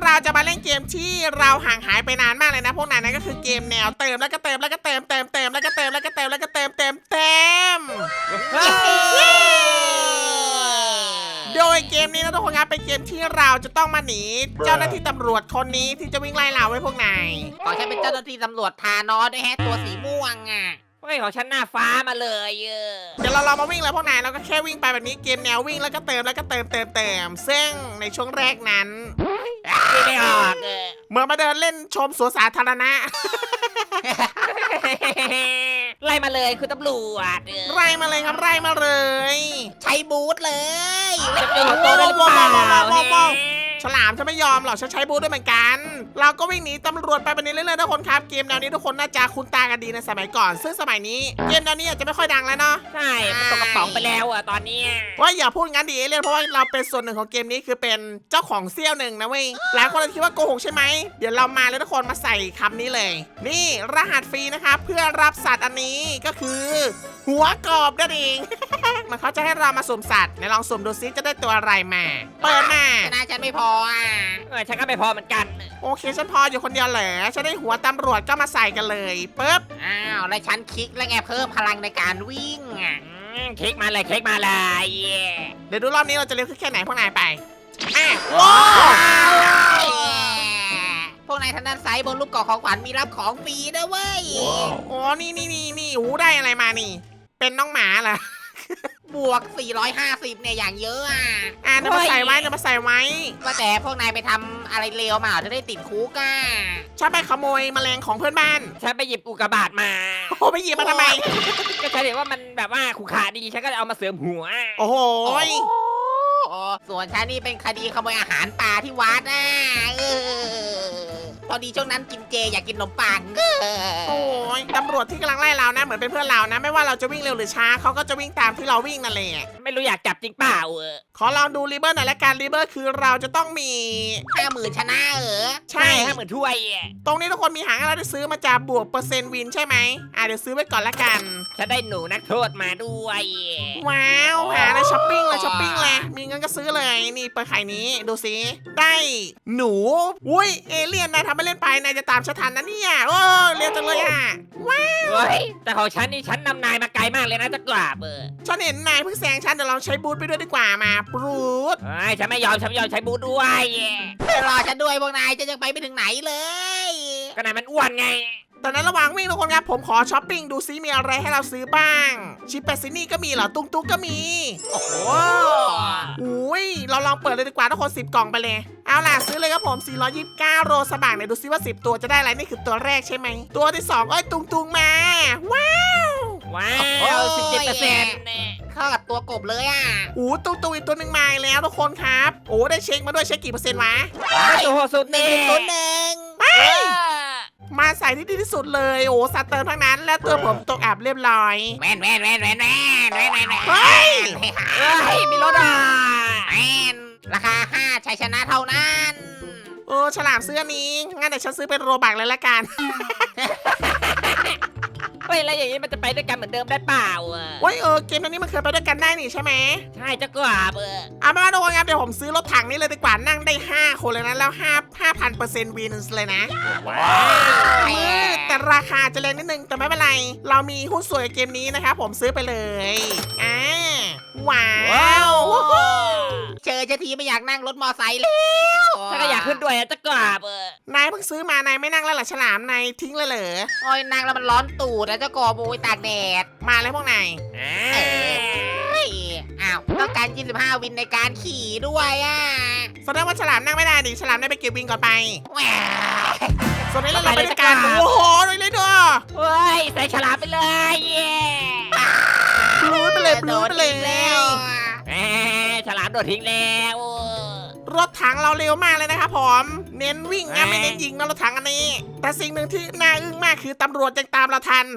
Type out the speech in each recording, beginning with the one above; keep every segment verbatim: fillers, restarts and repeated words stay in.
เราจะมาเล่นเกมที่เราห่างหายไปนานมากเลยนะพวกนายนั่นก็คือเกมแนวเติมแล้วก็เติมแล้วก็เติมเติมเติมแล้วก็เติมแล้วก็เติมแล้วก็เติมเติมเติมโดยเกมนี้นะทุกคนครับเป็นเกมที่เราจะต้องมาหนีเจ้าหน้าที่ตำรวจคนนี้ที่จะวิ่งไล่เราไว้พวกนายขอฉันเป็นเจ้าหน้าที่ตำรวจทานอสด้วยแฮะตัวสีม่วงอ่ะเฮ้ยของฉันหน้าฟ้ามาเลยเออเดี๋ยวเราลองมาวิ่งเลยพวกนายเราก็แค่วิ่งไปแบบนี้เกมแนววิ่งแล้วก็เติมแล้วก็เติมเติมเติมซึ่งในช่วงแรกนั้นคิดไม่ออกเออเหมื่อนมาเดินเล่นชมสวนสาธารณะไล่มาเลยคุณตำรวจเออไล่มาเลยครับไล่มาเลยใช้บูทเลยจะเป็นหัวโตได้หรือเปล่าฉลามจะไม่ยอมหรอกฉันใช้บูทด้วยเหมือนกัน เราก็วิ่งหนีตำรวจไปแบบนี้เรื่อยๆทุกคนครับเกมแนวนี้ทุกคนน่าจะคุ้นตากันดีในสมัยก่อน ซึ่งสมัยนี้เกมแนวนี้อาจจะไม่ค่อยดังแล้วเนาะใช่มันตกกระป๋องไปแล้วอ่ะตอนเนี้ยว่าอย่าพูดงั้นดิเอเลี่ยนเพราะว่าเราเป็นส่วนหนึ่งของเกมนี้คือเป็นเจ้าของเซี่ยวหนึ่งนะเว้ยหลายคนอาจจะคิดว่าโกหกใช่ไหมเดี๋ยวเรามาเลยทุกคนมาใส่คำนี้เลย นี่รหัสฟรีนะครับเพื่อรับสัตว์อันนี้ก็คือ หัวกรอบนั่นเอง มันเขาจะให้เรามาสุ่มสัตว์ไหนลองสุ่มดูซิจะได้ตัวอะไรมา เปิดมาชนะฉันไม่พออ่ะเออฉันก็ไม่พอเหมือนกันโอเคฉันพออยู่คนเดียวเหรอฉันได้หัวตำรวจก็มาใส่กันเลยปึ๊บอ้าวแล้วฉันคลิกแล้วไงเพิ่มพลังในการวิ่งอ่ะอืมคลิกมาเลยคลิกมาเลยเย้เดี๋ยวดูรอบนี้เราจะเร็วขึ้นแค่ไหนพวกนายไปอ่ะว้าวพวกนายทางด้านซ้ายบนรูปกล่องของขวัญมีรับของฟรีด้วยเว้ยโอ้นี่นี่นี่นี่หูได้อะไรมานี่ เป็นน้องหมาเหรอบวก สี่ร้อยห้าสิบ เนี่ยอย่างเยอะอ่ะอ่ะเดี๋ยวมาใส่ไว้เดี๋ยวมาใส่ไว้ว่าแต่พวกนายไปทำอะไรเลวมาเหรอจะได้ติดคุกอ่ะชอบไปขโมยแมลงของเพื่อนบ้านฉันไปหยิบอุกกาบาตมาโอ้ไปหยิบมาทำไมก็ฉันเห็นว่ามันแบบว่าขู่ขาดีฉันก็เลยเอามาเสริมหัวโอ้โหโอ้ส่วนฉันนี่เป็นคดีขโมยอาหารป่าที่วัดอ่ะเออพอดีช่วงนั้นกินเจอยากกินขนมปังเออโอ้ยตำรวจที่กำลังไล่เรานะเหมือนเป็นเพื่อนเรานะ ไม่ว่าเราจะวิ่งเร็วหรือช้าเขาก็จะวิ่งตามที่เราวิ่งนั่นแหละไม่รู้อยากจับจริงเปล่าเออขอลองดูรีเบอร์หน่อยละกันรีเบอร์คือเราจะต้องมีห้าหมื่นชนะเออใช่ห้าหมื่นถ้วยอะตรงนี้ทุกคนมีหางให้เราได้ซื้อมาจากบวกเปอร์เซ็นต์วินใช่ไหมอ่ะเดี๋ยวซื้อไว้ก่อนละกันฉันได้หนูนักโทษมาด้วยว้าวหาเลยช้อปปิ้งเลยช้อปปิ้งเลยมีเงินก็ซื้อเลยนี่เปิดไข่นี้ดูสิได้หนูอุ้ยเอเลี่ยนนายทำไม่เล่นไปนายจะตามฉันทันนะเนี่ยโอ้เร็วจังเลยอ่ะว้าวเฮ้ยแต่ของฉันนี่ฉันนำนายมาไกลมากเลยนะจะกราบเออฉันเห็นนายเพิ่งแซงฉันเดี๋ยวเราใช้บูทไปด้วยดีกว่ามาบูทเฮ้ยฉันไม่ยอมฉันไม่ยอมใช้บูทด้วยจะรอฉันด้วยพวกนายจะยังไปไม่ถึงไหนเลยก็นายมันอ้วนไงตอนนั้นระหว่างวิ่งทุกคนครับผมขอช้อปปิ้งดูซิมีอะไรให้เราซื้อบ้างชิปเปซินี่ก็มีเหรอตุ้งตุ้งก็มีโอ้โหอุ้ยเราลองเปิดเลยดีกว่าทุกคนสิบกล่องไปเลยเอาล่ะซื้อเลยครับผมสี่ร้อยยี่สิบเก้าโรสบักเนี่ยดูซิว่าสิบตัวจะได้อะไรนี่คือตัวแรกใช่ไหมตัวที่สองเอ้ยตุงตุงมาว้าวว้าวสิบเจ็ดเปอร์เซ็นต์เข้ากับตัวกบเลยอ่ะโอ้ตุงตุงอีกตัวหนึ่งมาอีกแล้วทุกคนครับโอ้ได้เช็คมาด้วยเช็คกี่เปอร์เซ็นต์วะโอ้โหสุดหนึ่นี่งศูนย์หนึ่งมาใส่ที่ดีที่สุดเลยโอ้สัตว์เติมทั้งนั้นและตัวผมตกอับเรียบร้อยแมนแมนแมนแมนแมนแมนแมนแมนเฮ้ยเฮ้ยมีรถอ่ะแมนราคาห้าชัยชนะเท่านั้นเออฉลามซื้ออันนี้งั้นเดี๋ยวฉันซื้อเป็นโรบักเลยละกันเฮ้ยแล้วอย่างนี้มันจะไปด้วยกันเหมือนเดิมได้เปล่าอ่ะโอ้ยเออเกมนี้มันเคยไปด้วยกันได้นี่ใช่ไหมใช่จะกราบเออเอาเป็นว่าทุกคนครับเดี๋ยวผมซื้อรถถังนี่เลยดีกว่านั่งได้ห้าคนเลยนะแล้วห้าห้าพันเปอร์เซ็นต์วินเลยนะว้าเออแต่ราคาจะแรงนิดนึงแต่ไม่เป็นไร เรามีหุ้นส่วนกับเกมนี้นะครับผมซื้อไปเลยอ่าว้าวเจอจะทีไม่อยากนั่งรถมอไซค์แล้วฉันก็อยากขึ้นด้วยอะจะกราบเออนายเพิ่งซื้อมานายไม่นั่งแล้วเหรอฉลามนายทิ้งเลยเหรอโอ้ยนั่งแล้วมันร้อนตูดแล้วเจ้ากอบโอยตากแดดมาเลยพวกนายอ่าเฮ้ยอ้าวต้องการยี่สิบห้าวินในการขี่ด้วยอ่ะแสดงว่าฉลามนั่งไม่ได้ดิฉลามได้ไปเก็บวินก่อนไปแหวส่วนนี้เราไปด้วยกันโอ้โหเลยเลยด้วยเฮ้ยใส่ฉลามไปเลยเย้บลูไปเลยบโดลูนไปเลยอีกแล้วแหมฉลามโดดทิ้งแล้วรถถังเราเร็วมากเลยนะครับผมเน้นวิ่งนะไม่เน้นยิงนะรถถังอันนี้ แต่สิ่งหนึ่งที่น่าอึ้งมากคือตำรวจยังตามเราทัน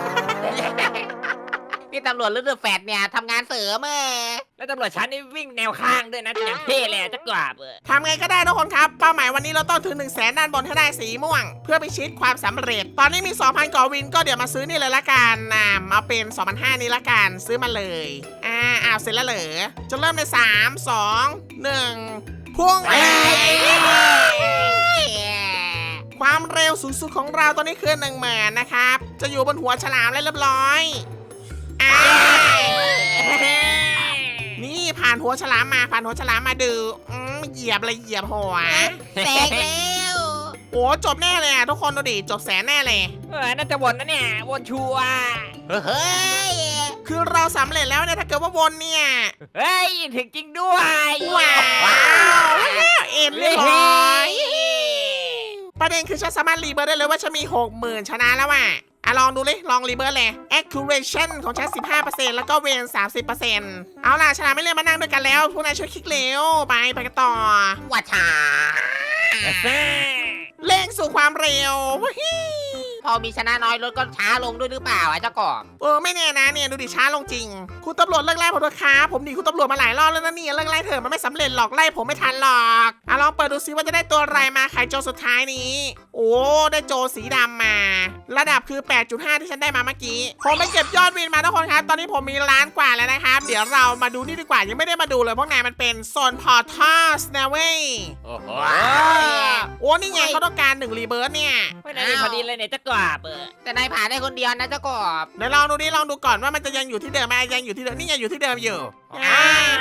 นี่ตำรวจฤดูแฟดเนี่ยทำงานเสริมเออแล้วตำรวจชั้นนี่วิ่งแนวข้างด้วยนะอย่างเท่เลยอะจะกราบเออทำไงก็ได้ทุกคนครับเป้าหมายวันนี้เราต้องถึง1นึ่งแสนด้านบนให้ได้สีม่วง เพื่อไปชิดความสำเร็จ ตอนนี้มี สองพันกว่าวินก็เดี๋ยวมาซื้อนี่เลยละกันนะเอาเป็น สองพันห้าร้อย นี้ละกันซื้อมาเลยอ่าอ้าวเสร็จแล้วเหรอจะเริ่มในสาม สอง หนึ่งพุ่งไปความเร็วสูงสุดของเราตอนนี้คือหนึ่งหมื่นนะครับ จะอยู่บนหัวฉลามแล้วเรียบร้อยอ่านี่ผ่านหัวฉลามมาผ่านหัวฉลามมาดูอืมเหยียบเลยเหยียบหัวแตกแล้วโอ้จบแน่เลยอ่ะทุกคนดูดิจบแสนแน่เลยเออน่าจะวนนะเนี่ยวนชัวร์เฮ้ยคือเราสำเร็จแล้วเนี่ยถ้าเกิดว่าวนเนี่ยเฮ้ยถึงจริงด้วยว้าวเอ็นเรียบร้อยประเด็นคือฉันสามารถรีเบิร์ดได้เลยว่าฉันมี หกหมื่น ชนะแล้วอ่ะอ่ะลองดูเลยลองรีเบิร์ดเลย accuracy ของฉัน สิบห้าเปอร์เซ็นต์ แล้วก็เวน สามสิบเปอร์เซ็นต์ เอาล่ะชนะไม่เล่นมานั่งด้วยกันแล้วพวกนายช่วยคลิกเร็วไปไปกันต่อว่าช้าเร่งสู่ความเร็วพอมีชนะน้อยรถก็ช้าลงด้วยหรือเปล่าอ่ะเจ้ากบเออไม่แน่นะเนี่ยดูดิช้าลงจริง คุณตำรวจเลิกไล่ผมเถอะครับผมหนีคุณตำรวจมาหลายรอบแล้วนะเนี่ยเลิกไล่เถอะมันไม่สำเร็จหรอกไล่ผมไม่ทันหรอกอ่ะลองเปิดดูซิว่าจะได้ตัวอะไรมาไขโจสุดท้ายนี้ โอ้ได้โจสีดำมา ระดับคือ แปดจุดห้า ที่ฉันได้มาเมื่อกี้ผมไปเก็บยอดวินมาทุกคนครับตอนนี้ผมมีล้านกว่าแล้วนะครับเดี๋ยวเรามาดูนี่ดีกว่ายังไม่ได้มาดูเลยพวกนายมันเป็นโซนพอร์ทัสนะเว้ยโอ้โหโอ้นี่ไงเขาต้องการหนึ่งรีเบิร์ตเนี่ยไม่ได้พอดีเลยเนี่ยเจ้ากบเออแต่นายผ่านได้คนเดียวนะเจ้ากบเดี๋ยวลองดูดิลองดูก่อนว่ามันจะยังอยู่ที่เดิมไหมยังอยู่ที่เดิมนี่ยังอยู่ที่เดิมอยู่อ้า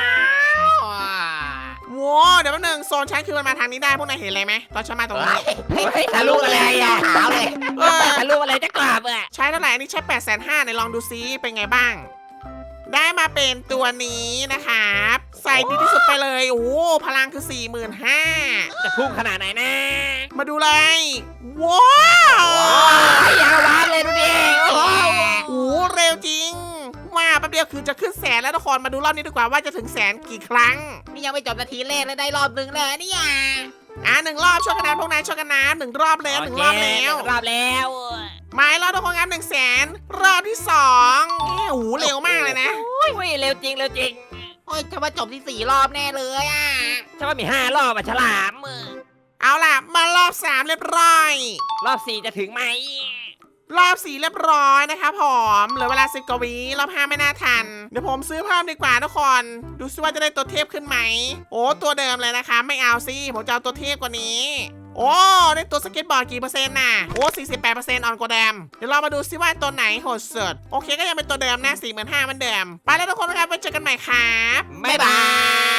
ว้าวเดี๋ยวแป๊บนึงโซนฉันคือมันมาทางนี้ได้พวกนายเห็นอะไรไหมตอนฉันมาตรงนี้เฮ้ยทะลุอะไรอ่ะขาวเลยเออทะลุอะไรเจ้ากบเออใช้เท่าไหร่อันนี้ใช้แปดแสนห้าในลองดูซิเป็นไงบ้าง ได้มาเป็นตัวนี้นะครับใส่ดีที่สุดไปเลยโอ้โหพลังคือ สี่หมื่นห้าพันจะพุ่งขนาดไหนนะมาดูเลยว้าวยาววานเลยดูดิโอ้โหโอ้โหเร็วจริงว่าแป๊บเดียวคือจะขึ้นแสนแล้วทุกคนมาดูรอบนี้ดีกว่าว่าจะถึงแสนกี่ครั้งนี่ยังไม่จบนาทีแรกแล้วได้รอบนึงเลยเนี่ยอ่ะหนึ่งรอบช่วยกันนะพวกนายช่วยกันนะหนึ่งรอบแล้วหนึ่งรอบแล้วโเคหนึ่งรอบแล้วหมายรอบทุกคนครับหนึ่งแสนรอบที่สองโอ้โหเร็วมากเลยนะโอ้ยเร็วจริงเร็วจริงโอ้ยฉันว่าจบที่สี่รอบแน่เลยอ่ะฉันว่ามีห้ารอบอะฉลามเออเอาล่ะมารอบสามเรียบร้อยรอบสี่จะถึงไหมรอบสี่เรียบร้อยนะครับผมเหลือเวลาสิบกว่าวิรอบห้าไม่น่าทันเดี๋ยวผมซื้อเพิ่มดีกว่าทุกคนดูซิว่าจะได้ตัวเทพขึ้นไหมโอ้ตัวเดิมเลยนะคะไม่เอาสิผมจะเอาตัวเทพกว่านี้โอ้ได้ตัวสเก็ตบอร์ดกี่เปอร์เซ็นต์น่ะโอ้สี่สิบแปดเปอร์เซ็นต์ออนกว่าเดิมเดี๋ยวเรามาดูซิว่าตัวไหนโหดสุดโอเคก็ยังเป็นตัวเดิมนะสี่หมื่นห้าเหมือนเดิมไปแล้วทุกคนนะครับไว้เจอกันใหม่ครับบ๊ายบาย